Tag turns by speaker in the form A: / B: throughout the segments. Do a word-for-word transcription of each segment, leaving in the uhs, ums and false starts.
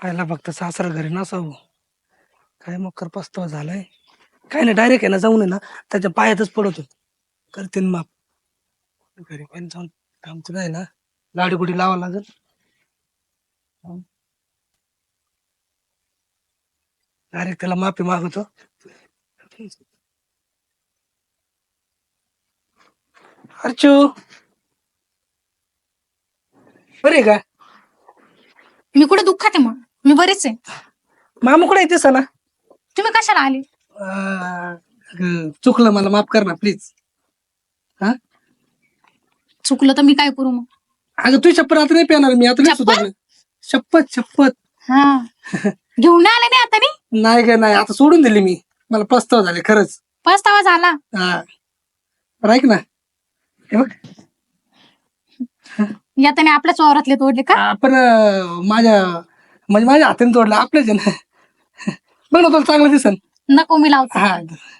A: आयला फक्त सासरा घरी नसावं. काय मग कर पस्तावा झालाय. काय नाही डायरेक्ट आहे ना जाऊन आहे ना त्याच्या पायातच पडतो. करते ना माप. घरी पण जाऊन आमचं काय ना लाडी गुडी लावा लागल. डायरेक्ट त्याला माफी मागवतो. अर्चू बरे का?
B: मी कुठे दुःखात आहे मग मी बरेच आहे.
A: मामा कुठे येतेस ना?
B: तुम्ही कशाला आले?
A: अं, चुकलं मला माफ कर ना प्लीज. हा
B: चुकलं तर मी काय करू मग?
A: अगं तू शपथ आता नाही पेणार मी आता नाही
B: शपथ?
A: सुधारलं. शपथ शपथ
B: हा घेऊन नाही आले नाही आता नाही.
A: नाही ग नाही आता सोडून दिली मी. मला पस्तावा झाले खरंच.
B: पस्तावा झाला.
A: हा बरं ऐक ना हे बघ
B: याताने आपल्याच वावरातले तोडले का?
A: आपण अं, माझ्या म्हणजे माझ्या हाताने तोडलं आपल्याच आहे ना. बघ ना तुला चांगलं दिसन.
B: नको मी लावतो.
A: हा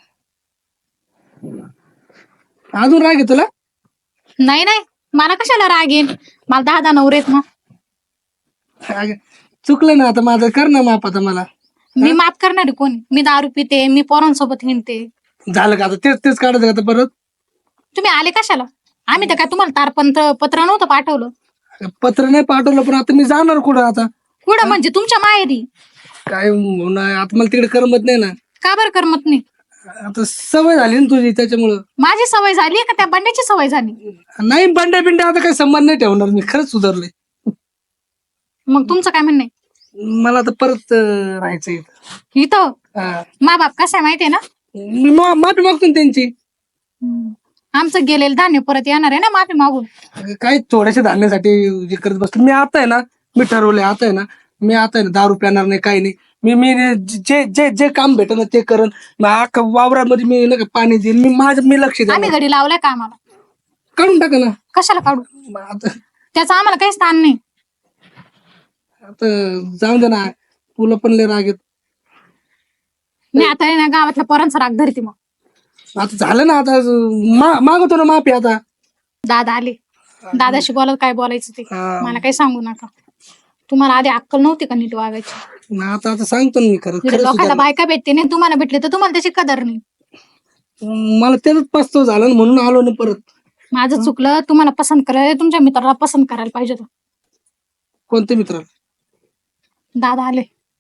A: अजून राग आहे तुला?
B: नाही नाही मला कशाला राग येईल. मला दहा दहा नवरेत ना.
A: अगं, चुकलं ना आता माझं कर ना माफ आता मला.
B: मी माफ करणारी कोणी? मी दारू पिते मी पोरांसोबत हिंडते.
A: झालं का आता तेच तेच काढायचं का आता परत?
B: तुम्ही आले कशाला? आम्ही तर काय तुम्हाला तारपंत्र पत्र नव्हतं पाठवलं.
A: अगं, पत्र नाही पाठवलं पण आता मी जाणार कुठं आता?
B: कुठं म्हणजे तुमच्या माहेरी?
A: काय होणार आता मला तिकडे करमत नाही ना.
B: का बरं करमत नाही?
A: आता सवय झाली ना तुझी त्याच्यामुळं.
B: माझी सवय झाली का त्या बंड्याची सवय झाली?
A: नाही बंड्या बिंड्या आता काही संबंध नाही ठेवणार मी खरंच सुधारले.
B: मग तुमचं काय म्हणणं आहे?
A: मला आता परत अं, राहायचं इथं.
B: इथं
A: हा.
B: मा बाप कसा आहे माहितीये ना?
A: मी मा- माफी मागतो ना त्यांची.
B: आमचं गेलेलं धान्य परत येणार आहे ना माफी मागून.
A: अगं, काय थोड्याशा धान्यासाठी जे करत बसतो मी आता आहे ना. मी ठरवलंय आता आहे ना. मी आता आहे ना दारू प्याणार नाही काही नाही. मी मी जे जे जे काम भेटन ते करण. मग अख्खा वावरामध्ये मी नाही का पाणी देईन मी माझं मी लक्ष
B: आम्ही
A: देईन.
B: घडी लावलाय का आम्हाला?
A: काढून टाका ना.
B: कशाला काढू?
A: मग आता
B: त्याचं आम्हाला काही स्थान नाही.
A: आता जाऊन दे ना तुला पण लय राग येत.
B: मी आता आहे ना गावातल्या पोरांचा राग धरते. मग
A: आता झालं ना आता मा- मागवतो ना माफी आता.
B: दादा आले. दादाशी बोलत काय बोलायचं ते
A: हा.
B: मला काही सांगू नका. तुम्हाला आधी अक्कल नव्हती का नीट वागायची?
A: मग आता आता सांगतो ना मी खरं
B: इकडे
A: खरं
B: लोकांना
A: सुधारलं.
B: बायका भेटते नाही तुम्हाला भेटले तर तुम्हाला त्याची कदर नाही.
A: मला त्याच पस्ताव झाला ना म्हणून आलो ना परत.
B: माझं चुकलं. तुम्हाला पसंत करायला तुमच्या मित्राला पसंत करायला पाहिजे होतं.
A: कोणते मित्र?
B: दादा आले.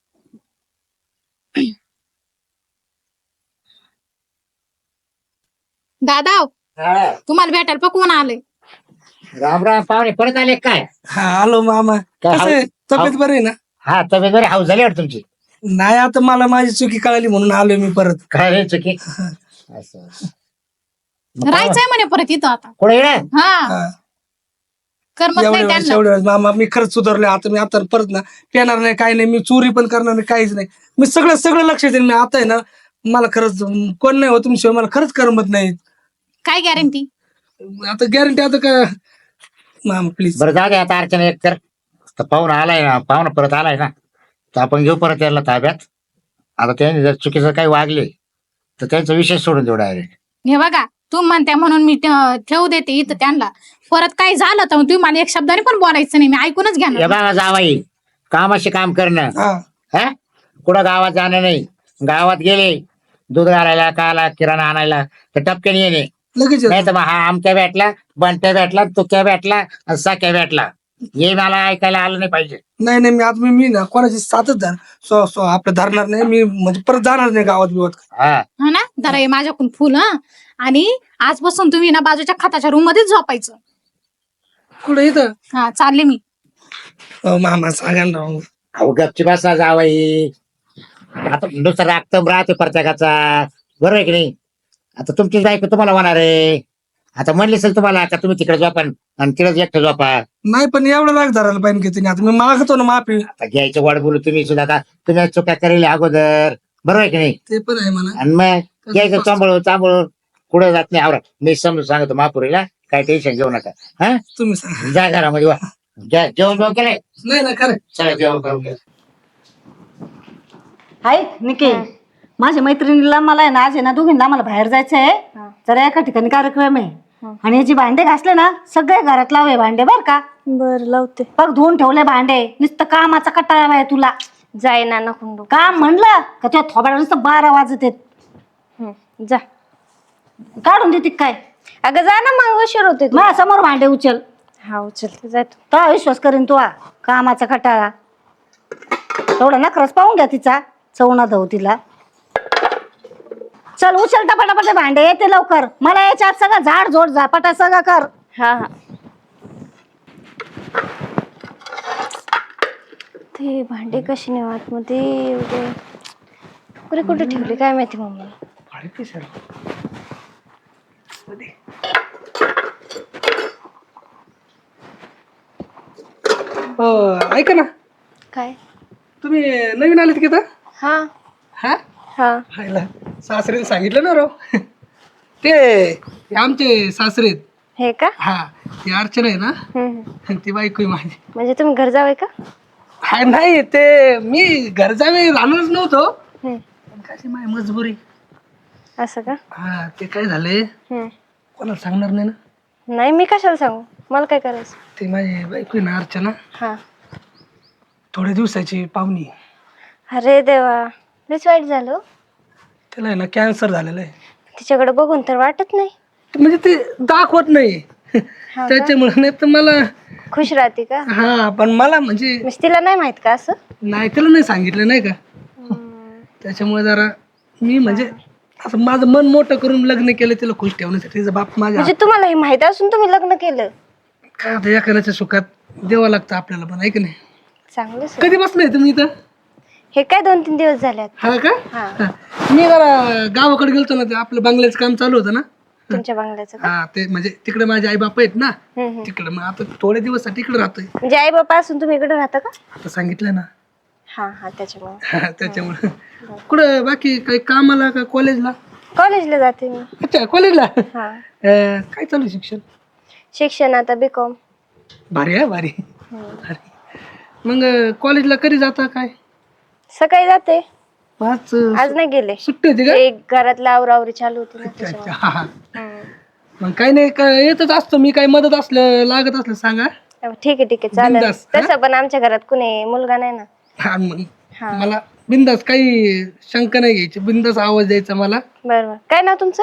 B: दादा तुम्हाला भेटायला पण कोण आले?
C: राम राम पाहुणे परत आले काय?
A: हा आलो मामा.
C: काय
A: कसं आहे? तब्येत बरी आहे ना?
C: हा तब्येत बरी हाऊस झाली वाटत तुमची.
A: नाही आता मला माझी चुकी कळाली म्हणून आलोय मी परत.
C: काय रे चुकी असं मग काय-
B: राहायचंय म्हणे परत इथं आता.
C: कुठे येणार?
B: हा
A: हा.
B: करमत
A: एवढ्या
B: नाही
A: वेळेस
B: त्यांना.
A: एवढ्या वेळेस मामा मी खरंच सुधारलोय आता. मी आता परत ना पेणार नाही काही नाही. मी चोरी पण करणार नाही काहीच नाही. मी सगळं सगळं लक्ष देईन. मी आता आहे ना मला खरंच कोण नाही हो तुमशिवाय मला खरंच करमत नाही.
B: काय गॅरंटी?
A: आता गॅरंटी आता का मामा प्लीज.
C: बरं जाऊ दे आता अर्चना एक तर तर पाहुणा आलाय ना पाहुणा परत आलाय ना तर आपण घेऊ परत यायला ताब्यात. आता त्यांनी जर चुकीचं काही वागले तर त्यांचा विषय सोडून देऊ डायरेक्ट.
B: हे बघा तू म्हणते म्हणून मी ठ- ठेवू देते इथं त्यांना. परत काही झालं तर तुम्ही मला एक शब्दाने पण बोलायचं नाही. मी ऐकूनच
C: या
B: घेणार.
C: बाबा जावाई कामाशी काम करणं
A: हा
C: हा कुठं गावात जाणं नाही. गावात गेले दूध घालायला काला किराणा आणायला तर टपक्याने येणे.
A: लगेच येतो.
C: नाही तर मग हा आमक्या भेटला बंट्या भेटला तुक्या भेटला आणि साक्या भेटला हे मला ऐकायला आलं नाही पाहिजे.
A: नाही नाही मी आता मी मी ना कोणाची साथच धर सो सो आपलं धरणार नाही. मी म्हणजे परत जाणार नाही गावात बिवात.
C: हा
B: हा ना जरा हे माझ्याकडून फुल हा. आणि आजपासून तुम्ही ना बाजूच्या खताच्या रूम मध्येच झोपायचं.
A: कुठं इथं?
B: हा चालले मी.
A: अहो, मामा सांगा ना राव.
C: अहो गपची बसा जावाई. आता नुसतं रागतम राहते प्रत्येकाचा बरोबर आहे की नाही. आता तुमचीच बायको तुम्हाला होणार आहे. आता म्हणली असेल तुम्हाला का तुम्ही तिकडे झोपा आणि तिकडे एकटं झोपा.
A: नाही पण एवढं लाग धरायला पाहिजे की तुम्ही. आता मी मागतो ना माफी.
C: आता घ्यायचं वाढ बोलू तुम्ही सुद्धा का तुम्ही चुक्या करेल अगोदर बरोबर आहे की नाही.
A: ते पण आहे म्हणा.
C: आणि मग घ्यायचं चांबळून चांबळून पुढे जात नाही. आवरा मी समजून सांगतो महापुरीला काय टेन्शन घेऊ नका. हा
A: तुम्ही सांगा.
C: जा घरामध्ये वा जा जेवण जेवण केलंय.
A: नाही ना खरं.
C: चला जेवण करून घ्या.
D: हाय निके माझ्या मैत्रिणीला मला आहे ना आज आहे ना दोघींना आम्हाला बाहेर जायचं आहे. जरा एका ठिकाणी कार्यक्रम आहे आणि याची भांडे घासले ना सगळे घरात लावे भांडे बर का.
E: बर लावते.
D: बघ धुवून ठेवले भांडे, नुसतं कामाचा कटाळा आहे तुला.
E: जाय ना नको
D: काम म्हणलं का तुझ्या थोबाडा नुसतं बारा वाजत आहेत.
E: जा.
D: काढून देते काय?
E: अगं जा ना मग उशीर होते.
D: माझ्या समोर भांडे उचल.
E: हा उचलते जातो.
D: तो विश्वास करीन तू हा, कामाचा कटाळा. तेवढा नखरच पाहून घ्या तिचा, चवणा धाव तिला. चल उचल टपाटपाटे भांडे, येते लवकर. मला याच्या आत सगळं झाड झोड झापाटा सगळं कर.
E: हा हा. ते भांडे कशी नेऊ आतमध्ये एवढे कुठे कुठे ठेवले काय माहिती मम्मी.
A: ऐका ना,
E: काय?
A: तुम्ही नवीन आलेत की आता?
E: हा
A: हा
E: हा.
A: हायला सासरेने सांगितलं ना राव. ते हे आमचे सासरे आहेत.
E: हे का?
A: हा ती अर्चना आहे ना,
E: हम्म, हम्म.
A: ती बायको आहे माझी.
E: म्हणजे तुम्ही घर जावे का?
A: हा नाही, ते मी घर जावे राहणारच नव्हतो,
E: हम्म.
A: पण कशी माझी मजबुरी.
E: असं का?
A: हा ते काय झालंय,
E: हम्म.
A: कोणाला सांगणार नाही ना.
E: नाही मी कशाला सांगू, मला काय करायचं.
A: ते माझी बायको आहे ना अर्चना,
E: हा.
A: थोड्या दिवसाची पाहुणी.
E: अरे देवा, लयच वाईट झालं.
A: त्याला आहे ना कॅन्सर झालेला आहे.
E: तिच्याकडे बघून तर वाटत नाही.
A: म्हणजे ते दाखवत नाही त्याच्यामुळे. नाही तर मला
E: खुश राहते का?
A: हा, पण मला म्हणजे
E: म्हणजे तिला नाही माहित का असं?
A: नाही, त्याला नाही सांगितलं नाही का. त्याच्यामुळे जरा मी म्हणजे असं माझं मन मोठं करून लग्न केलं तिला खुश ठेवण्यासाठी. तिचा बाप माझ्या
E: म्हणजे तुम्हाला हे माहित असून तुम्ही लग्न केलं?
A: काय आता एखाद्याच्या सुखात द्यावं लागतं आपल्याला पण, आहे की नाही.
E: चांगलंच.
A: कधी बसलाय तुम्ही इथं?
E: हे काय दोन तीन दिवस झाल्यात.
A: हा का?
E: हा.
A: हा. मी जरा गावाकडे गेलतो ना, ते आपलं बंगल्याचं काम चालू होतं ना.
E: तुमच्या बंगल्याचं का?
A: हा ते म्हणजे तिकडे माझे आई बाप आहेत ना,
E: हम्म, हम्म.
A: तिकडे. मग आता थोडे दिवस तिकडे राहतोय.
E: म्हणजे आई बापा असून तुम्ही इकडे राहता का?
A: आता सांगितलं ना.
E: हा हा त्याच्यामुळे.
A: हा, त्याच्यामुळे. कुठं बाकी काही कामाला का कॉलेजला?
E: कॉलेजला जाते मी.
A: अच्छा, कॉलेजला.
E: हा.
A: अं, काय चालू आहे शिक्षण?
E: शिक्षण आता बी कॉम.
A: भारी आहे, भारी भारी. मग कॉलेजला कधी जाता काय?
E: सकाळी जाते.
A: पाच
E: आज नाही गेले.
A: सुट्टी होती का?
E: एक घरातला आवरावरी चालू होती ना
A: अच्छा,
E: त्याच्यामुळे.
A: अच्छा. हा, हा.
E: हम्म.
A: मग काही नाही, काय येतच असतो मी. काही मदत असलं लागत असलं सांगा.
E: ठीक आहे ठीक आहे चालेल.
A: बिनधास्त, हा?
E: तसं पण आमच्या घरात कुणी मुलगा नाही ना.
A: हा, मग
E: हा.
A: मला बिंदास, काही शंका नाही घ्यायची. बिंदास आवाज द्यायचा मला.
E: बरोबर. काय नाव तुमचं?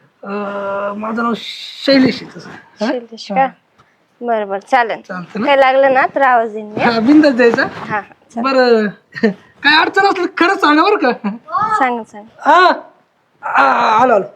A: अं, माझं नाव शैलेश आहे तसं. हा?
E: शिल्देश का? बरं बरं चालेल.
A: चालतं ना.
E: काय लागलं ना तर आवाज देईन मी.
A: हा, बिंदास द्यायचा.
E: हा हा
A: बरं. काय अडचण असलं खरंच सांगा बरं का.
E: सांग सांग.
A: हा, आ, आलो आलो.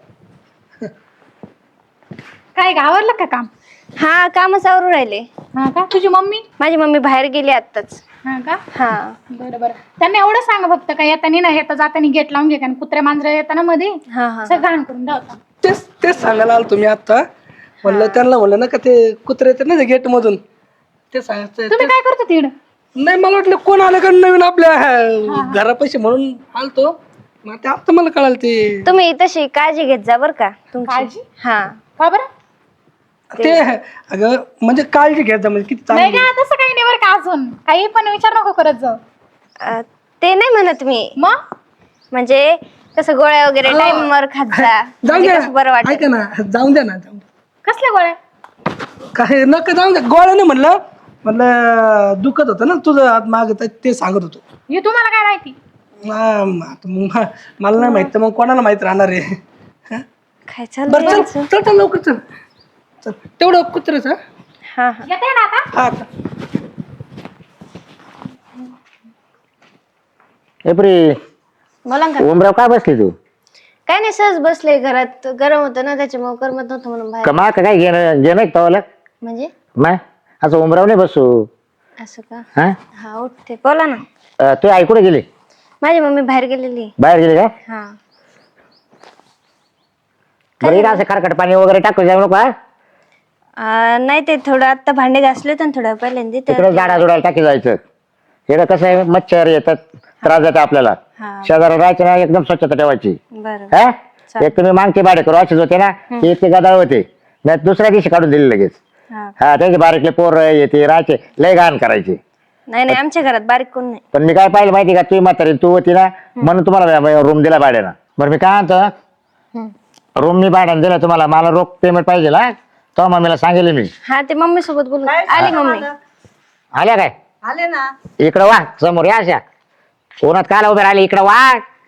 B: काय ग, आवरलं का काम?
E: हा कामच आवरून राहिले.
B: हा का? तुझी मम्मी?
E: माझी मम्मी बाहेर गेली आत्ताच.
B: हा का?
E: हा.
B: बरं बरं. त्यांना एवढं सांग फक्त, काय येतानी ना येता जातानी गेट लावून घे, कारण कुत्र्या मांजरा येताना मध्ये
E: हा हा
B: सगळं घाण करून द्यावता.
A: तेच तेच सांगायला आलो तुम्ही आता. म्हणलं त्यांना म्हणलं ना का ते कुत्रे येतात ना गेट मधून, ते सांगायचं.
B: तुम्ही काय करतो तिकडं?
A: नाही, मला वाटलं कोण आलं का नवीन आपल्या घरापाशी म्हणून आलतो. मग ते आता मला कळालं ते.
E: तुम्ही तशी काळजी घेत जा बर का तुमची.
B: काळजी?
E: हा.
B: का बरं?
A: ते अगं म्हणजे काळजी घ्यायचं म्हणजे किती
B: नाही
A: चांगली.
B: का, तसं काही नाही बरं का. अजून काही पण विचार नको करत जाऊ.
E: अं, ते नाही म्हणत मी.
B: मग
E: म्हणजे कसं गोळ्या वगैरे टाइम वर खात जा.
A: जाऊन
E: म्हणजे
A: द्या
E: कसं बरं
A: ना,
E: वाटत.
A: ऐका ना, जाऊन द्या ना, जाऊन द्या.
B: कसल्या गोळ्या?
A: काय नका जाऊन द्या. गोळ्या नाही म्हणलं, म्हणलं दुखत होतं ना तुझं हात माग, ते सांगत होतो.
B: हे तुम्हाला काय माहिती?
A: हा, आता मग मला नाही माहित तर मग कोणाला माहित राहणार आहे. हा?
E: काय
A: बरं
E: चाललंय?
A: चल चल चल लवकर चल. चल तेवढं कुत्रच. हा
E: हा हा.
B: येते ना आता?
A: हा.
C: एप्री
E: बोला ना.
C: उमराव काय बसली तू?
E: काय नाही सहज बसले घरात. गरम होतं ना त्याच्यामुळे करमत नव्हतं म्हणून बाहेर.
C: कमा का काय घेणं घेणं पावलं
E: म्हणजे
C: मग असं उमराव नाही बसू.
E: असं का?
C: हा
E: हा उठते. बोला ना.
C: अं, तू आई कुठे गेली?
E: माझी मम्मी बाहेर गेलेली.
C: बाहेर गेली का?
E: हा.
C: बरं इथं असं खरकट पाणी वगैरे टाकू जाऊ नको. हा?
E: अं, नाही ते थोडं आता भांडे घासले तर थोडं पहिल्यांदा
C: तिकडे
E: तर-
C: झाडा जुडायला टाकी जायचं. इकडं कसं आहे मच्छर येतात, त्रास देतात आपल्याला.
E: हा.
C: शेजारा राहायचं ना, एकदम स्वच्छता ठेवायची.
E: बरं.
C: हा एक तुम्ही मागचे भाडे करू असेच होते ना, ते इतके गदाळ होते. नाही दुसऱ्या दिवशी काढून दिले लगेच.
E: हा.
C: हा त्याचे बारीकले पोर येते राहायचे, लय घाण करायचे.
E: नाही नाही आमच्या घरात बारीक कोण नाही.
C: पण मी काय पाहिलं माहिती का, तुम्ही म्हातारी तू होती ना म्हणून तुम्हाला रूम दिला भाड्यानं. बरं मी काय म्हणतो,
E: हम्म.
C: रूम मी भाड्यानं दिला तुम्हाला, मला रोख पेमेंट पाहिजे. हा तो मम्मीला सांगेल मी.
E: हा ते मम्मी सोबत बोलू
D: काय
E: आली
D: सांगा
E: मम्मी.
D: मला?
C: आल्या काय
D: आले ना.
C: इकडं वा समोर या अशा कोणात काला उभे राहिले इकडं वा.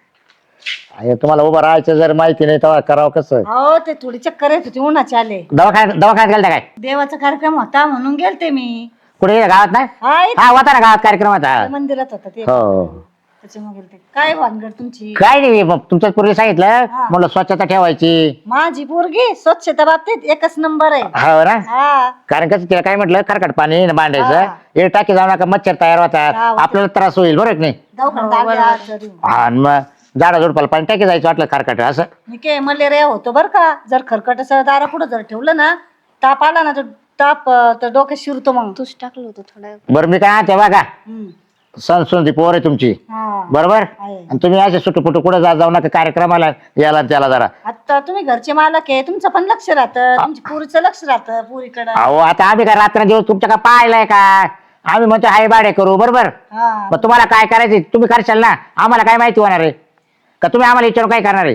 C: अरे तुम्हाला उभं राहायचं जर माहिती नाही तेव्हा करावं कसं.
D: हो ते थोडी चक्कर येत होती उन्हाचे आले.
C: दवाखान्यात दवाखान्यात गेलता काय
D: देवाचा कार्यक्रम होता म्हणून गेलते मी.
C: कुठे गेला? गावात नाही?
D: हा इथं
C: हा होता ना गावात कार्यक्रम होता.
D: मंदिरात होता ते.
C: हो
D: त्याच्यामुळे गेलते. काय भानगड तुमची?
C: काय नाही मग तुमच्याच पूर्वी सांगितलं म्हणलं स्वच्छता ठेवायची.
D: माझी पोरगी स्वच्छता बाबतीत एकच नंबर आहे.
C: हो ना.
D: हा
C: कारण कसं तिला काय म्हटलं खरकट पाणी मांडायचं
D: हा.
C: हे टाकी जाऊ नका मच्छर तयार
D: हा,
C: होतात
D: होतात.
C: आपल्याला त्रास होईल बरोबर की नाही.
D: दवाखान्यात आले आज तरी.
C: हा आणि मग झाडा झुडपाला पाणी टाकी जायचं वाटलं खरकट असं.
D: मी काय मलेरिया होतो बर का. जर खरकट असं दारा पुढे जर ठेवलं ना ताप आला ना तर ताप अं, तर डोक्यात शिरतो मग.
E: तूच टाकलं होतं थोडं.
C: बरं मी काय तेव्हा का
D: हम्म.
C: सणसुंदी पोर आहे तुमची
D: हा
C: बरोबर
D: आहे.
C: आणि तुम्ही असे सुटू पुटू कुठे जा जाऊ नका कार्यक्रमाला याला आणि त्याला जरा.
D: आता तुम्ही घरचे मालक आहे तुमचं पण लक्ष राहतं तुमची पुरीचं लक्ष राहतं पुरीकडं.
C: अहो आता आम्ही काय रात्र दिवस तुमच्या का पाहिलंय का आम्ही म्हणतो हाय बाडे करू बरोबर.
D: हा
C: मग तुम्हाला काय करायचं तुम्ही करशाल ना आम्हाला काय माहिती होणार आहे का तुम्ही आम्हाला विचारून काय करणार आहे.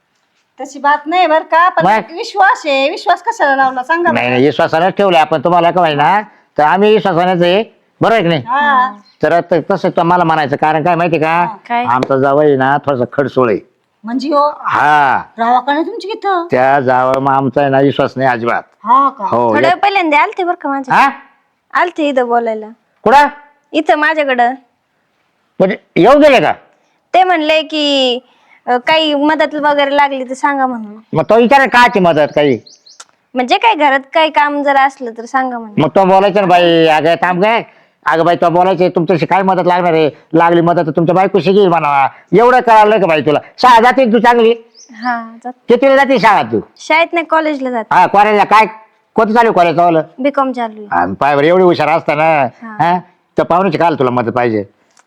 D: तशी बात नाही बर का पण
C: मग?
D: एक विश्वास आहे विश्वास कशाला लावला सांगा
C: नाही
D: बरं.
C: नाही विश्वासानेच ठेवले आपण तुम्हाला का माहिती ना तर आम्ही विश्वासानेच आहे बरोबर आहे की नाही.
D: हा
C: तर त- तसं तुम्हाला म्हणायचं कारण काय माहिती का
E: काय?
C: आमचा जावई ना थोडासा खडसोळ आहे.
D: म्हणजे हो
C: हा
D: रावाकडे तुमची किथं.
C: त्या जावं मग आमचा आहे ना विश्वास नाही अजिबात.
D: हा का
C: हो
E: थोड्या
C: एक-
E: वेळ पहिल्यांदा आलते बरं का माझ्या.
C: हा
E: आलते इथं बोलायला.
C: कुठं
E: इथं माझ्याकडं.
C: म्हणजे येऊ गेले का
E: ते म्हणले की अं, काही मदत वगैरे लागली तर सांगा म्हणून.
C: मग तो विचार काची मदत काही
E: म्हणजे काय घरात काही काम जर असलं तर सांगा म्हणून.
C: मग तो बोलायचं ना बाई अगं थांब काय अगं बाई तो बोलायचं तुमच्याशी काय मदत लागणार आहे लागली मदत तर तुमच्या बायकोशी घेईल म्हणावा एवढं कळालं का बाई तुला शाळा जाते तू चांगली
E: हा जात.
C: कितीला जाते शाळा तू
E: शाळेत नाही कॉलेजला जात.
C: हा कॉलेजला काय कोणतं चालू कॉलेज चावलं
E: बीकॉम चालू आहे.
C: पाय बरं एवढी हुशार असताना हा तर पाहुण्याची काल तुला मदत पाहिजे.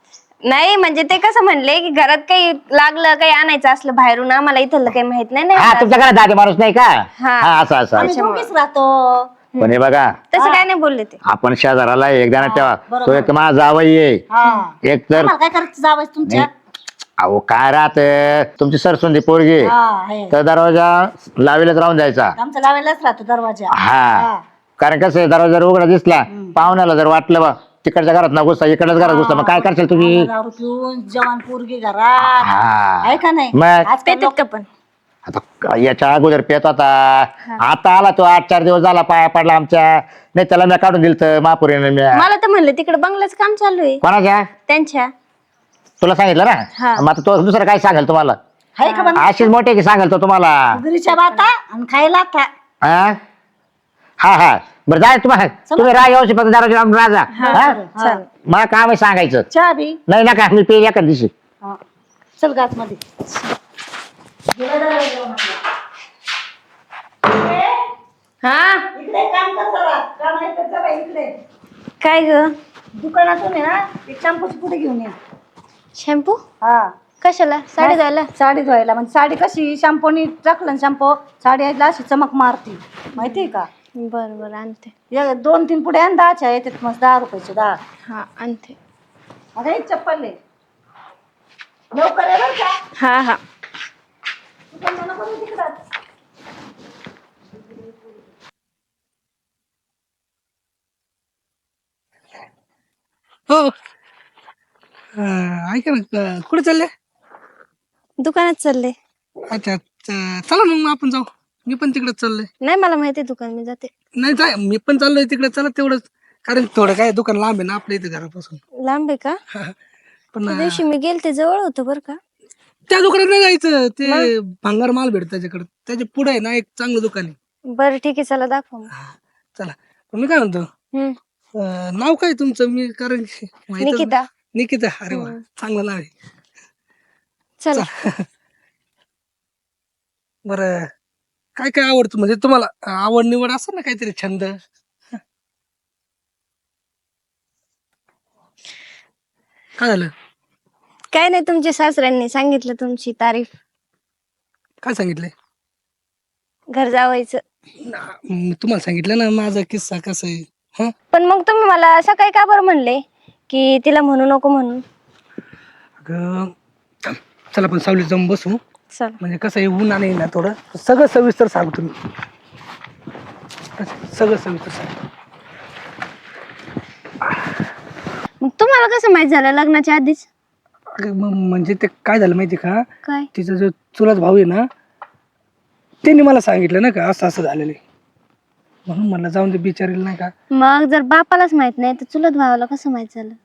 E: नाही म्हणजे ते कसं म्हणले की घरात काही लागलं काही आणायचं असलं बाहेरून आम्हाला इथलं काही माहित नाही
C: हा
E: ना.
C: तुमच्या घरात दादी माणूस नाही का
E: हा.
C: हा असं असं
D: आम्ही दोघीच राहतो.
C: पण हे बघा
E: तसं काय नाही बोलले ते.
C: आपण शेजाराला एकदा ठेवा
D: बरोबर.
C: तो एक माझा जावई आहे
D: हा
C: एक तर
D: आम्हाला काय करायचं जावंच तुमच्या.
C: अहो काय राहत तुमची सरसुंदी पोरगी आहे.
D: हा आहे.
C: तर दरवाजा लावेलच राहून जायचा.
D: आमचा लावायलाच राहतो दरवाजा.
C: हा कारण कसं आहे दरवाजा जर उघडा दिसला पाहुण्याला जर वाटलं बा तिकडच्या घरात ना घुसता इकडल्याच घरात घुसता मग काय करशाल तुम्ही.
D: दारू पिऊन जवान पोरगी घरात
C: हा
D: आहे का नाही.
C: मग
D: आजकाल
E: पेतात का पण.
C: आता याच्या अगोदर पेत होता आता आला तो आठ चार दिवस झाला पाया पडला आमच्या नाही त्याला मी काढून दिलं तर महापुरीने मी
E: मला तर म्हणलं तिकडे बंगल्याचं काम चालू आहे
C: कोणाच्या
E: त्यांच्या.
C: तुला सांगितलं
E: हा.
C: ना मग आता तो दुसरं काय सांगेल तुम्हाला
D: आहे का पण
C: अशीच मोठे की सांगेल तो तुम्हाला.
D: घरीच्या बाता आणि खायला था.
C: हा हा हा बरं जाय तुम्हाला तुम्ही राहा येऊ शकता दरवाजा लावून राजा हा?
E: चालेल.
C: मला काम आहे सांगायचं
D: चहा बी.
C: नाही नका मी पेल एका दिवशी.
D: हा. चल गाच मध्ये.
E: हा
D: इकडे काम कर जरा. काम आहे तर जरा इकडे.
E: काय ग
D: दुकानातून आहे ना एक शॅम्पूची पुढे घेऊन ये.
E: शॅम्पू
D: हा
E: कशाला साडी धुवायला.
D: साडी धुवायला म्हणजे साडी कशी शॅम्पूनी टाकलं शॅम्पू साडी आईला अशी चमक मारती माहितीये का.
E: बर बर आणते.
D: या दोन तीन पुढे आणि दहाच्या येतात मस्त दहा रुपयाचे दहा.
E: हा आणते.
D: आता एक चप्पल आहे लवकर ये बरं का.
E: हा हा
D: तू पण नको येऊ तिकडं.
A: हो अं, ऐका ना अं, कुठे चालले.
E: दुकानात चालले.
A: अच्छा अच्छा चला मग मग आपण जाऊ मी पण तिकडे चाललोय.
E: नाही मला माहिती दुकान मी जाते.
A: नाही जाय मी पण चाललोय तिकडे चला तेवढंच कारण थोडं काय दुकान लांब आहे ना आपल्या इथे घरापासून.
E: लांब आहे का.
A: पण
E: त्या दिवशी मी गेलते जवळ होतं बरं का.
A: त्या दुकानात नाही जायचं ते भंगार माल भेटत त्याच्याकडे त्याच्या पुढे आहे ना एक चांगलं दुकान आहे.
E: बरं ठीक आहे चला दाखव मग.
A: हा, चला पण मी काय म्हणतो
E: हम्म.
A: अं, नाव काय तुमचं मी कारण की माहीतच नाही.
E: निकिता.
A: निकिता अरे वा चांगलं नाव आहे.
E: चला
A: बरं काय काय आवडतं म्हणजे तुम्हाला आवड निवड असं ना काहीतरी छंद. काय झालं
E: काय नाही तुमच्या सासऱ्यांनी सांगितलं तुमची तारीफ.
A: काय सांगितलंय.
E: घर जावायचं.
A: ना- म, तुम्हाला सांगितलं ना माझा किस्सा कसा आहे. हा
E: पण मग तुम्ही मला सकाळी का बरं म्हणले की तिला म्हणू नको म्हणून.
A: अगं चल- चला पण सावलीत जाऊन बसू
E: चल
A: म्हणजे कसं आहे ऊन आणि ना थोडं सगळं सविस्तर सांगतो मी. सगळं सविस्तर सांग.
E: मग तुम्हाला कसं माहित झालं लग्नाच्या आधीच?
A: अगं, म- म्हणजे ते काय झालं माहिती का,
E: काय?
A: तिचा जो चुलत भाऊ आहे ना त्यांनी मला सांगितलं ना का असं असं झालेलं आहे. म्हणून म्हणलं जाऊन ते बिचारीला नाही का
E: मग जर बापालाच माहित नाही तर चुलत भावाला कसं माहित झालं?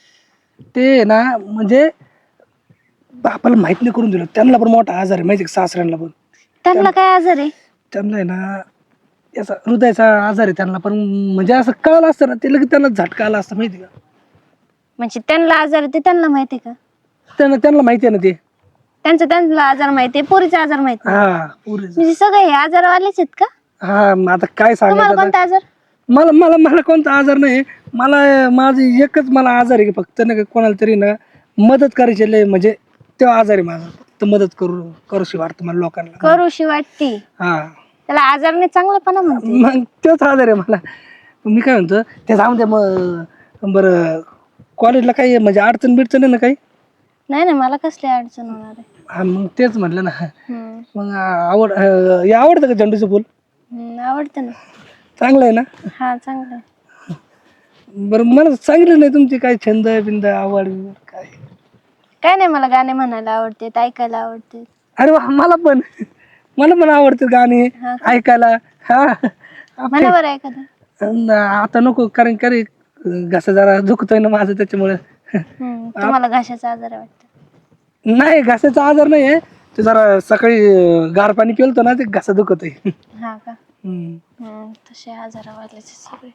A: ते ना म्हणजे बापाला माहित नाही करून दिलं. त्यांना पण मोठा आजार आहे माहिती का, सासऱ्यांना पण.
E: त्यांना काय आजार आहे?
A: त्यांना आहे ना याचा हृदयाचा आजार आहे त्यांना पण. म्हणजे असं कळलं असतं ना ते लगेच त्यांना झटका आला असतं माहिती का.
E: म्हणजे त्यांना आजार आहे ते त्यांना माहिती आहे का?
A: त्यांना त्यांना माहिती आहे ना ते.
E: त्यांचा त्यांना आजार माहिती आहे, पोरीचा आजार माहित नाही.
A: हा पुरेच.
E: म्हणजे सगळे हे आजारवालेच आहेत का?
A: हा मग आता काय
E: तुम्हाला
A: सांगायचं आता?
E: कोणता आजार?
A: मला मला मला कोणता आजार नाही. मला माझं एकच मला आजार आहे की फक्त ना कोणाला तरी ना मदत करायची लय, म्हणजे तेव्हा आजार आहे माझा. फक्त मदत करू करूशी वाटतं मला लोकांना.
E: करूशी वाटती.
A: हा
E: त्याला आजार नाही, चांगलापणा म्हणते.
A: मग तोच आजार आहे मला. मी काय म्हणतो ते जाऊन द्या मग. बरं कॉलेजला काही म्हणजे अडचण बिडचण आहे ना काही?
E: नाही नाही, मला कसली अडचण होणार आहे.
A: हा मग तेच म्हटलं ना.
E: हम्म.
A: मग आवड अं, हे आवडतं का झेंडूचं फुल?
E: हम्म, आवडतं ना.
A: चांगलं आहे ना.
E: हा चांगलं आहे.
A: बरं मला सांगितलं नाही तुमची काय छंद बिंद आवड काय?
E: काय नाही, मला गाणे म्हणायला आवडते, ऐकायला आवडते.
A: अरे वा, मला पण मला पण आवडतं गाणे
E: हा.
A: ऐकायला. हा
E: म्हणा बरं एखादं.
A: अन आता नको कारण करे घसा जरा दुखतोय ना माझं त्याच्यामुळे.
E: हम्म, तुम्हाला घशाचा आजार आहे वाटतं.
A: नाही घशाचा आजार नाही आहे, ते जरा सकाळी अं, गार पाणी पिलतो ना ते घसा दुखत आहे.
E: हा का? हम्म, तसे आजारावालेच सगळे.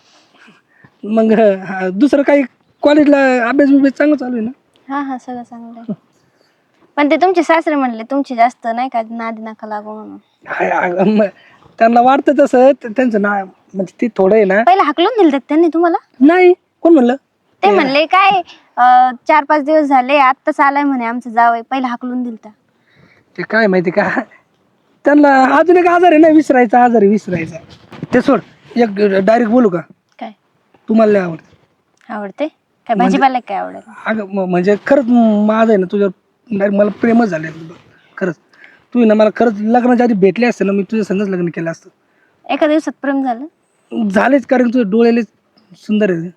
A: मग हा, दुसरं काही कॉलेजला अभ्यास बिभ्यास चांगला चालू आहे ना?
E: हा हा, सगळं चांगलं आहे. पण ते तुमचे सासरे म्हणले तुमची जास्त नाही का नादी नका लागू म्हणून.
A: हाय, अगं, मग त्यांना वाटतं तसं त- त्यांचं ना म्हणजे ते थोडं आहे ना.
E: पहिला हाकलून दिलं त्यांनी तुम्हाला?
A: नाही कोण म्हणलं?
E: ते म्हणले काय अं, चार पाच दिवस झाले आत्ताच आलाय म्हणे आमचं जावई, पहिला हाकलून दिलता.
A: ते काय माहिती का त्यांना अजून एक आजार आहे ना विसरायचा आजार आहे विसरायचा. ते सोड, एक डायरेक्ट बोलू का?
E: काय
A: तुम्हाला लय आवडतं?
E: आवडते? काय भाजीपाला काय आवडेल?
A: अगं म- म्हणजे खरंच माझं आहे ना तुझ्या direct मला प्रेमच झालं खरंच. तू ना मला खरंच लग्नाच्या आधी भेटले असते ना मी तुझ्या संगच लग्न केलं असतं.
E: एका दिवसात प्रेम झालं?
A: झालेच कारण तुझे डोळेले सुंदर आहे.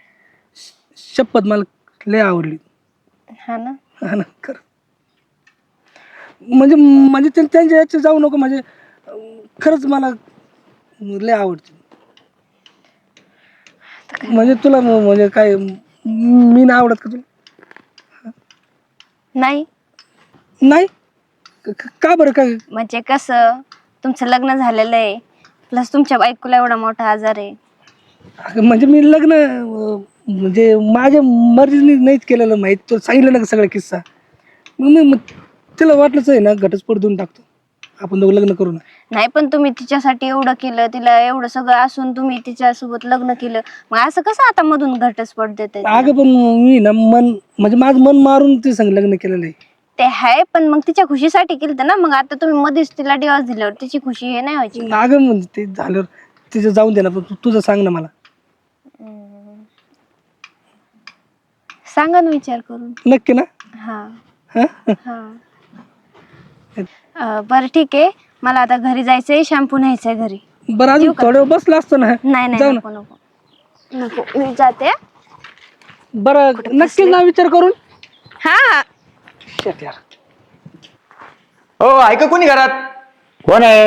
A: शपथ मला लय आवडली.
E: हा ना.
A: हा ना खरं. म्हणजे म्हणजे ते- त्यांच्या याच्या जाऊ नको म्हणजे अं, खरंच मला लय आवडते. म्हणजे तुला म- म्हणजे काय मी नाही आवडत का तुला?
E: नाही
A: नाही क- क- का बरं काय?
E: म्हणजे कसं, तुमचं लग्न झालेलं आहे, प्लस तुमच्या बायकोला एवढा मोठा आजार आहे.
A: अगं, म्हणजे मी लग्न अं, म्हणजे माझ्या मर्जीने नाहीच केलेलं माहीत. तो सांगितलं ना का सगळा किस्सा. मग मी मग तिला वाटलंच आहे ना घटस्फोट देऊन टाकतो आपण दोघं लग्न करू ना.
E: नाही पण तुम्ही तिच्यासाठी एवढं केलं, तिला एवढं सगळं असून तुम्ही तिच्यासोबत लग्न केलं, मग असं कसं आता मधून घटस्फोट देते?
A: अगं पण मी ना मन म्हणजे माझं मन मारून ती संग लग्न केलेलं आहे.
E: ते आहे पण मग तिच्या खुशीसाठी केलं ना. मग आता तुम्ही मध्येच तिला डिवॉर्स दिल्यावर तिची खुशी हे नाही व्हायची?
A: अगं म्हणजे ते झाल्यावर तिचं जाऊन दे ना, पण तू- तुझं सांग ना मला.
E: सांगा ना विचार करून.
A: नक्की ना?
E: हा
A: हा?
E: हा. अं, बरं ठीक आहे, मला आता घरी जायचंय, शॅम्पू न्यायचंय घरी.
A: बरं अजून थोडं वेळ बसला असतो ना.
E: नाही नाही,
A: जाऊ
E: नको नको नको, मी जाते.
A: बरं नक्की ना विचार करून.
E: हा हा.
A: Shit यार.
F: हो ऐका कोणी घरात?
C: कोण आहे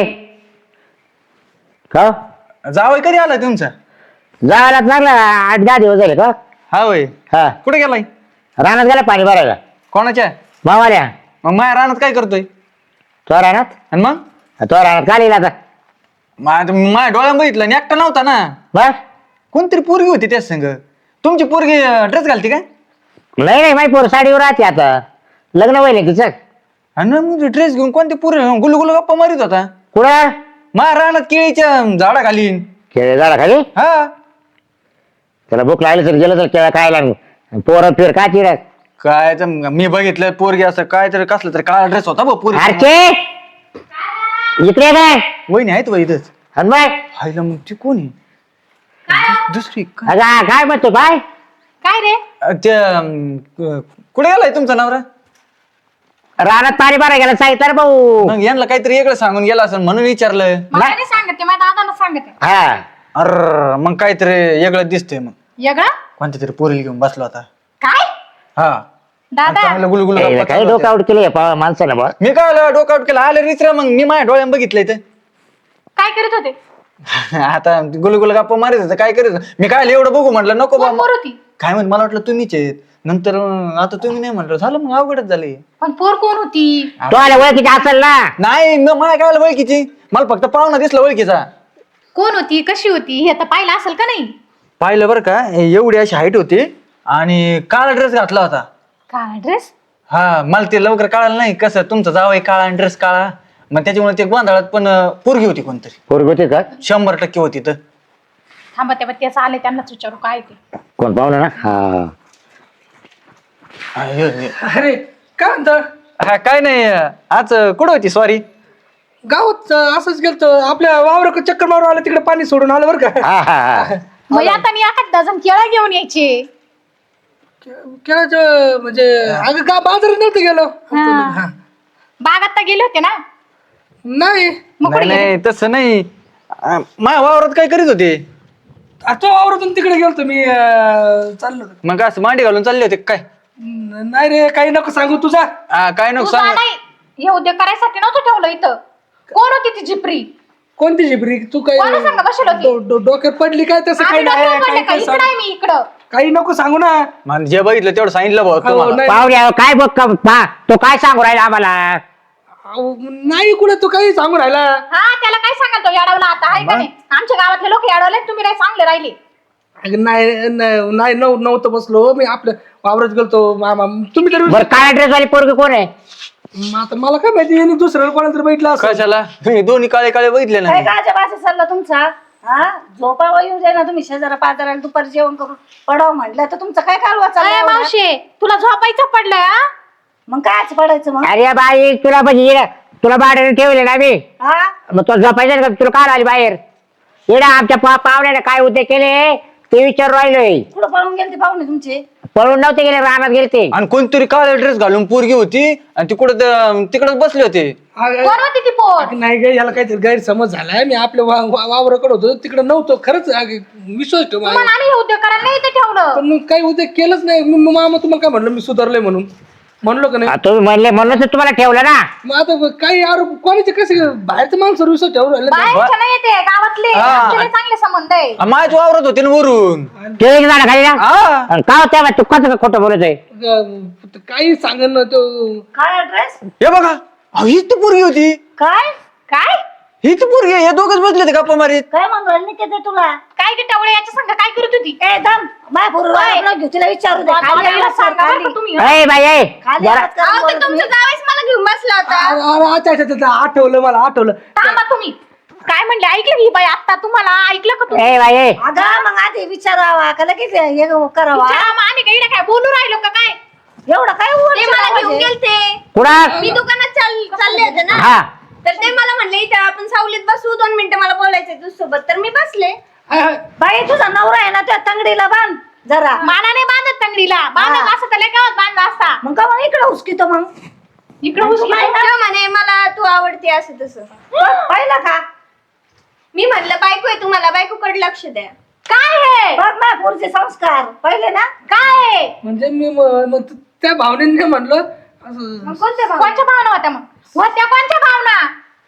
C: का?
F: जावय कधी आलाय तुमचा?
C: जायला लागला आठ दहा दिवस झाले का?
F: हा होय.
C: हा,
F: कुठे गेलाय?
C: रानात गेला पाणी भरायला.
F: कोणाच्या?
C: मावाल्या.
F: मग माया रानात काय करतोय?
C: तो रानात
F: आणि मग
C: तो रानात का लिहिला आता?
F: मा- माझ्या डोळ्यात बघितलं आणि एकटा नव्हता ना.
C: बस
F: कोणतरी पोरगी होती त्याच संग. तुमची पोरगी ड्रेस घालते काय?
C: नाही नाही, माही पोर साडीवर राहते आता. लग्न व्हायला तिचं.
F: आणि मग ड्रेस घेऊन कोणती पोर गुलू गुलू गप्पा मारित होता
C: कुठं?
F: माझ्या रानात केळीच्या झाडा घालीन.
C: खेळ झाला खाली.
F: हा
C: त्याला भूक लागली तर गेलं तर केळा खायला. पोरं फिर का चिर
F: काय तर मी बघितलं पोरगी असं काय तरी कसलं तरी काळा ड्रेस होता बघ पोरगी.
C: अरे इकडे काय
F: वहिनी आहेत वय इथंच.
C: आणि बाय
F: हायला मग ती कोणी दुसरी काय?
C: अगं काय म्हणतो काय?
B: काय रे?
F: अ, ते अम, क- कुठे गेलाय तुमचा नवरा?
C: रानात पाणी भरायला गेला सांगितलं रे भाऊ.
F: मग यांना काहीतरी वेगळं सांगून गेला असं म्हणून विचारलं.
B: मला नाही सांगत ते, माझ्या दादाला सांग. सांगते
C: हा
F: अर मग काहीतरी वेगळं दिसतंय मग
B: वेगळं
F: कोणत्या तरी पोरीला घेऊन बसलो आता
B: काय
F: हा आणि
B: दादा
F: चांगलं गुलगुल
C: ए,
F: गप्पा
C: काय
F: चालू
C: डोकं
F: होत्या.
C: आउट केली माणसाला बा
F: मी काय डोकआउट केलं आलं रिचरा मग मी माझ्या डोळ्यानं बघितलंय ते
B: काय करीत होते
F: आता गुलगुल गप्पा मारित होतं, काय करायचं मी काय एवढं बघू म्हटलं नको
B: कोण
F: बा
B: पोर होती
F: काय म्हणत मला वाटलं तुम्हीच आहेत नंतर अं, आता तुम्ही नाही म्हटलं झालं मग अवघडच झाले
B: पण पोर कोण होती
C: तो आला ओळखीची असेल ना
F: नाही मग मला काय आलं ओळखीची मला फक्त पाहुणा दिसला ओळखीचा
B: कोण होती कशी होती हे तर पाहिलं असेल का नाही
F: पाहिलं बरं का हे एवढी अशी हाईट होती आणि काळा ड्रेस घातला होता
B: काय ड्रेस
F: हा मला ते लवकर कळालं नाही कसं तुमचा जावं काळा ड्रेस काळा मग त्याच्यामुळे ते गोंधळात पण अं, पोरगी होती कोणतरी
C: पोरगी होती का
F: शंभर टक्के होती तर
B: थांबा तेव्हा त्याचं आले त्यांनाच विचारू काय ते
C: कोण पाहुणा ना हा
F: अरे
A: अरे काय म्हणता
F: हा काय नाही आज कुठं होती सॉरी
A: गावात अं, असंच गेलतो आपल्या वावर चक्कर मारून आलं तिकडे पाणी सोडून आलं बरं का
C: हा हा हा
B: मग आता मी एखाद डझन केळं घेऊन यायचे
A: केळाचं म्हणजे अगं का बाजारात नव्हतं गेलो हा.
B: बागात तर गेले होते ना
A: नाही
B: मग कुठे
F: नाही
B: गेले?
F: नाही तसं नाही अं, माझ्या वावरात काय करीत होते
A: आ, तो वावरातून तिकडे गेलतो मी अं, चाललो होतो.
F: मग असं मांडी घालून चालले होते काय
A: न- नाही रे काही नको सांगू तुझा
F: हा, काय नको
B: तुझा
F: सांग
B: नाही हे उद्योग करायसाठी नव्हतं ठेवलं इथं कोण होती ती जिपरी
A: कोणती झिपरी तू काही
B: कोणा सांगा बसेल होती?
A: डो- डो- डोक्यात पडली काय तसं
B: आम्ही
A: काही नाही
B: डोक्यावर पडले
A: काही
B: का?
A: काही
B: इकडं
A: सांग-
B: आहे मी इकडं
A: काही नको सांगू ना
F: मग जे बघितलं तेवढं सांगितलं भाऊ
A: अहो,
F: तुम्हाला
A: नाही
C: पाहुण्या काय बघ का पा तो काय सांगू राहिला आम्हाला
A: अहो, नाही कुठे तू काही सांगू राहिला
B: हा त्याला काय सांगाल तो याडवला आता आहे का नाही आमच्या गावातले लोक याडवले तुम्ही नाही चांगले राहिले
A: अगं, नाही नाही नाही, नव- नव्हतं बसलो मी आपल्या वावरात गेलतो मामा तुम्ही तरी
C: बरं काळ्या ड्रेस वाली पोरगी कोण आहे
A: मग आता मला काय माहिती यांनी दुसऱ्याला कोणाला तरी बैठला असं
F: कशाला तुम्ही दोन्ही काळे काळे बघितले ना
D: काय गाजा बाजा चालला तुमचा हा झोपावा येऊ दे ना तुम्ही शेजारा पाजाराला दुपारी जेवण करून पडाव म्हटलं तर तुमचं काय कालवा
B: अरे
D: चालला एवढा?
B: मावशे तुला झोपायचं पडलंय हा?
D: मग कायच पडायचं मग
C: अरे बाई तुला म्हणजे इकडं- तुला भाड्याने ठेवले ना मी
D: हा
C: मग तो झोपायचं का तुला काय आली बाहेर येडा आमच्या पा- पाहुण्याने काय उद्योग केले ते विचार राहिलोय
D: कुठं पळून गेले ते पाहुणे तुमचे
C: पळून नव्हते गेले रानात गेले ते
F: आणि कोणतरी काळा ड्रेस घालून पोरगी होती आणि ती कुठं तिकडच बसले होते
A: अगं,
B: कोण होती ती पोर
A: अगं, नाही ग याला काहीतरी गैरसमज झालाय मी आपल्या वा- वा- वावराकडे होतो तिकडे नव्हतो खरंच अगं, विश्वास ठेव माझ्यावर.
B: तुम्हाला आणि हे उद्योग करायला नाही इथे ठेवलं
A: पण मग काही उद्या केलंच नाही मग मग मामा तुम्हाला काय म्हणलं मी सुधारलंय म्हणून म्हणलो का नाही
C: आ, तुम्ही म्हणले म्हणून तर तुम्हाला ठेवलं ना
A: मग आता काही आरोप कोणाचे कसे बाहेरचं माणसं विश्वास ठेवून राहिले नाही.
B: बाहेरच्या नाही येते गावातले
F: हा.
B: आमचे लय चांगले संबंध आहे
F: माझ्याच वावरत होते ना वरून
C: ते एक झाड खाली ना
F: हा
C: आणि का होत्या तू कसं खोटं बोलतोय
A: अगं, काही सांगेन ना तो
D: काय ड्रेस
F: हे बघा अहो, हीच ती पोरगी होती
D: काय
B: काय
F: हीच पोरगी हे दोघच बसले होते गप्पा मारीत
D: काय म्हणून राहिले ते ते तुला
B: काय ते टवळे याच्या संग काय करत होती
D: ए दम माय बरोबर घेऊ तिला विचारू दे खाली
B: मला
D: आवाज कर,
B: सांगा बरं
D: खाली.
B: का तुम्ही
C: ए बाई ए
D: खाली
C: जरा
D: आवाज कर, बोलत नाही.
E: जावेच मला घेऊन बसला होता
A: अरे अरे, अच्छा अच्छा अच्छा, आठवलं मला आठवलं
B: थांबा तुम्ही काय म्हणले ऐकलं ही बाई आता तुम्हाला ऐकलं का तुम्ही
C: ए बाई ए
D: अगं मग आधी विचारावा का लगेच हे करावा
B: विचारा, मग आम्ही काय इकडे काय बोलू राहिलो का काय
D: एवढं काय वर
E: ते मला घेऊन
D: आवाज आहे?
E: गेलते
C: कुणा
E: मी दुकानात चाल- चालले होते ना
C: हा
E: तर ते मला म्हणले इथे आपण सावलीत बसू दोन मिनिटं मला बोलायचंय तुझ्यासोबत तर मी बसले
D: बाई तुझा नवरा आहे ना त्या तंगडीला बांध जरा
B: माना नाही बांधत तंगडीला बांधत असं तर गावात बांधला असता
D: मग का मग इकडे उचकितो मग
B: इकडे उचलून
E: तेव्हा म्हणे मला तू आवडते असं तसं
D: बघ, पाहिलं का
E: मी म्हणलं बायको आहे तुम्हाला बायकोकडे लक्ष द्या
B: काय हे
D: बघ ना पुढचे संस्कार पहिले ना
B: काय हे
A: म्हणजे मी म- मग त्या भावनेने म्हणलं असं
E: मग कोणत्या भावना?
B: कोणच्या भावना होत्या मग होत्या कोणच्या भावना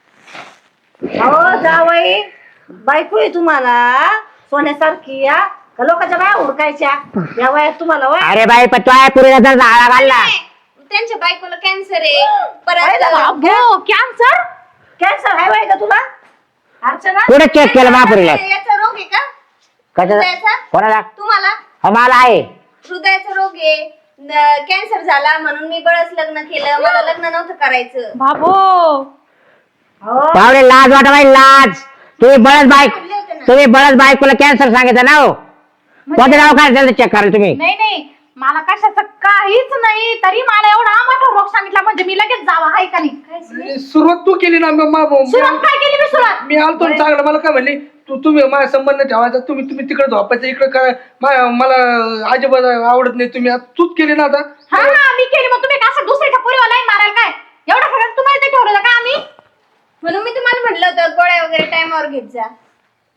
D: हो जावई बायको आहे तुम्हाला सोन्यासारखी या का लोकांच्या बाया हुडकायच्या या वयात तुम्हाला वय
C: अरे बाई पण तो आहे पुरीला तर झाडा घालला
E: नाही, त्यांच्या बायकोला कॅन्सर आहे
D: पाहिलं का?
E: परत
B: हो कॅन्सर
D: कॅन्सर आहे वय का तुला अर्चना
C: कुठे चेक केलं महापुरीला
E: याचा रोग आहे का
C: कशाचा
E: हृदयाचा?
C: कोणाला
E: तुम्हाला
C: हा, मला आहे
E: हृदयाचा रोग आहे कॅन्सर झाला म्हणून मी बळच लग्न केलं मला लग्न नव्हतं करायचं
B: बाबो
D: हो
C: पावडे लाज वाटा बाई लाज तुम्ही बळच बाईक
E: म्हणले होते ना.
C: तुम्ही बळच बायकोला कॅन्सर सांगितलं ना हो कोणतं नाव काय त्याचं चेक कराल तुम्ही
B: नाही नाही मला कशाचं काहीच नाही तरी मला एवढा मोठा रोग सांगितला म्हणजे मी लगेच जावा हाय का नाही
A: सुरुवात तू केली ना मग मा-
B: सुरुवात काय केली मी सुरुवात
A: मी आलतो ना चांगलं मला काय म्हणली तू तुम्ही माझ्या संबंध ठेवायचा तुम्ही तुम्ही तिकडे झोपायचं इकडे काय मा- मला अजिबात आवडत नाही तुम्ही आता तूच केली ना आता
B: हा हा मी केली मग तुम्ही कसं दुसऱ्याच्या पुरीवर लाईन मारायला काय एवढं सगळं तुम्हाला ते ठेवलं का आम्ही
E: म्हणून मी तुम्हाला म्हटलं होतं गोळ्या वगैरे टाइमवर घेत जा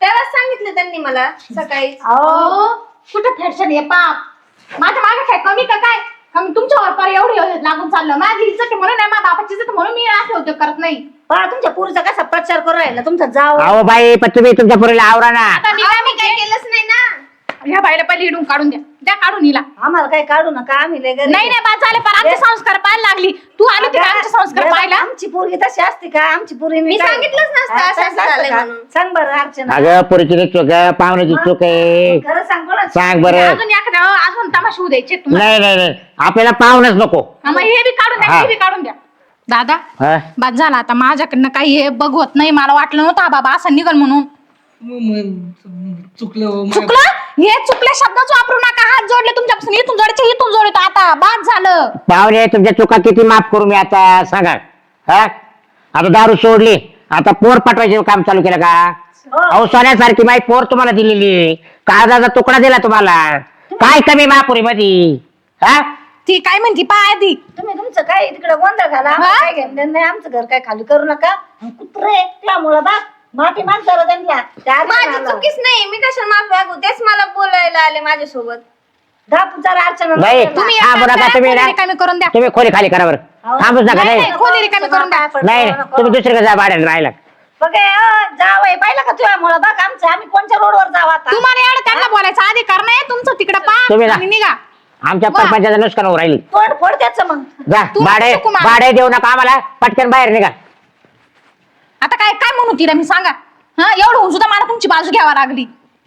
E: तेव्हाच सांगितलं त्यांनी मला सकाळी.
B: अहो कुठं फॅशन आहे पाप माझ्या मागे काय कमी का काय कमी तुमच्यावर पर एवढी लागून चाललं माझी इज्जत आहे म्हणून नाही माझ्या बापाची इज्जत म्हणून मी असे उद्योग करत नाही.
D: पहा तुमच्या पुरीचा कसा प्रचार करू राहिला तुमचा जाव.
C: अहो बाई पण तुम्ही तुमच्या पोरीला आवरा ना.
B: आता मी
E: आम्ही काही केलंच नाही ना.
B: ह्या बाईला पहिले इडून काढून द्या द्या काढून हिला.
D: आम्हाला काही काढू नका आम्ही लय गरीब
B: नाही नाही बाद झाले पण आमचे संस्कार पाहायला लागली तू आली तिला आमचे संस्कार
D: अगं,
B: पाहायला.
D: आमची पोरगी तशी असते का आमची पोरगी
E: मी सांगितलंच नसतं असं असं झालंय म्हणून.
D: सांग बरं अर्चना
C: अगं पोरीची चूक आहे पाहुण्याची चूक आहे.
D: खरं सांग कोणाचं?
C: सांग बरं.
B: अजून एखाद्या अजून तमाशा होऊ द्यायचे तुम्हाला.
C: नाही नाही नाही आपल्याला पाहुणच नको.
B: हा, मग हे बी काढून द्या
C: हा.
B: हे बी काढून द्या. दादा
C: हा?
B: बाद झाला आता माझ्याकडनं काही हे बघवत नाही मला वाटलं नव्हतं हा बाबा असं निघल म्हणून.
A: म- म- चुकलं हो, मा-
B: चुकलं हे चुकल्या शब्दच वापरू नका हात जोडले तुमच्यापासून इथून जोडायचे इथून जोडतो आता बाद झालं.
C: पाहुणे तुमच्या चुका किती माफ करू मी आता सांगा. हा आता दारू सोडली आता पोर पाठवायचे काम चालू केलं का? अहो सोन्यासारखी माई पोर तुम्हाला दिलेली कागदाचा तुकडा दिला तुम्हाला काय कमी महापुरी मध्ये. हा
B: ती काय म्हणती पाय आधी
D: तुम्ही तुमचं काय तिकडे गोंधळ घाला आम्हाला काय घेणं देणं नाही आमचं घर काय खाली करू नका. कुत्रे त्यामुळं बा माफी मागताना त्यांना त्या
E: माझी
D: अर्चनाला.
E: चुकीच नाही. मी कशाला माफी मागू? तेच मला बोलायला आले माझ्यासोबत.
D: दहा पुचार अर्चना
C: नाही
B: तुम्ही एक
C: थांबू
B: काम
C: नका
B: करा,
C: तुम्ही
B: खोली
C: ना
B: रिकामी करून द्या.
C: तुम्ही खोली खाली करा बरं. थांबूच नका.
B: नाही,
C: नाही
B: नाही, खोली रिकामी करून द्या.
C: नाही नाही, तुम्ही दुसरीकडे जा भाड्याने राहायला.
D: बघे जावय पाहिलं का तुझ्यामुळं बघ आमचं आम्ही कोणत्या रोडवर जाऊ आता.
B: तुम्हाला एवढं त्यांना बोलायचा अधिकार नाही तुमचं तिकडे
C: तुम्ही
B: पा
C: जा.
B: आणि निघा.
C: आमच्या
B: वा.
C: परपंचाचं नुकसान होऊ राहिली.
D: फोड फोड त्याचं मग.
C: जा
B: तू
C: भाडे
B: नको मला.
C: भाडे देऊ नका आम्हाला पटकन बाहेर निघा.
B: आता काय काय म्हणू तिला मी सांगा हा एवढं होऊन सुद्धा मला तुमची बाजू घ्यावा लागली.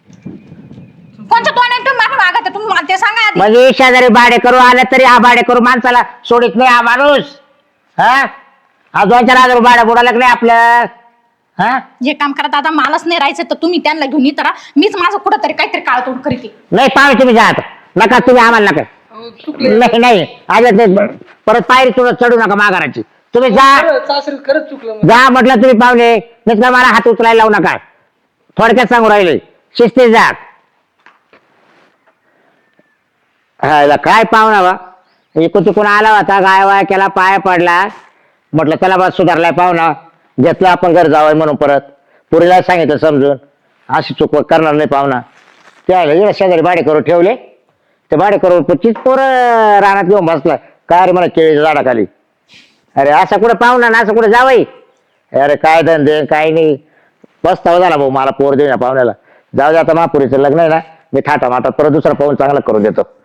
B: कोणत्या तोंडाने तुम्ही मागे मागत आहे? तुम्ही मला ते सांगा आधी.
C: म्हणजे शेजारी भाडे करू आलं तरी हा भाडे करू माणसाला सोडित नाही हा माणूस. हा हा दोन चार हजार भाडं बुडालं नाही आपलं. हा
B: जे काम करा दादा मलाच नाही राहायचं तर तुम्ही त्यांना घेऊन येत राहा. मीच माझं कुठंतरी काहीतरी काळतोड करीते.
C: नाही पाहुणे तुम्ही जा आता. नका तुम्ही आम्हाला नका.
A: अहो, चुकलं
C: नाही नाही आज नाही परत पायरी तुला चढू नका माघाराची. तुम्ही जा
A: खरं, सासरी खरंच चुकलं माझं.
C: जा म्हटलं तुम्ही पाहुणे नाही तर मला हात उचलायला लावू नका. थोडक्यात सांगू राहिले शिस्तीत जा. हा याला काय पाहुणा बा इकडून तिकडून आला होता गाय वाय केला पाय पडला म्हटलं त्याला बा सुधारलाय पाहुणा घेतलं आपण घर जावं म्हणून परत पुरीला सांगितलं समजून अशी चूक करणार नाही पाहुणा. त्या शेजारी भाडे करून ठेवले ते भाडे करून तीच पोरं रानात घेऊन बसला काय रे मला केळीच्या झाडाखाली. अरे असं कुठं पाहुणा ना असं कुठं जावई. अरे काय धंदे काय नाही पस्तावा झाला भाऊ मला पोर देऊ ना पाहुण्याला. जाऊ दे आता महापुरीचं लग्न आहे ना मी थाटा माटात परत दुसरा पाहून चांगला करून देतो.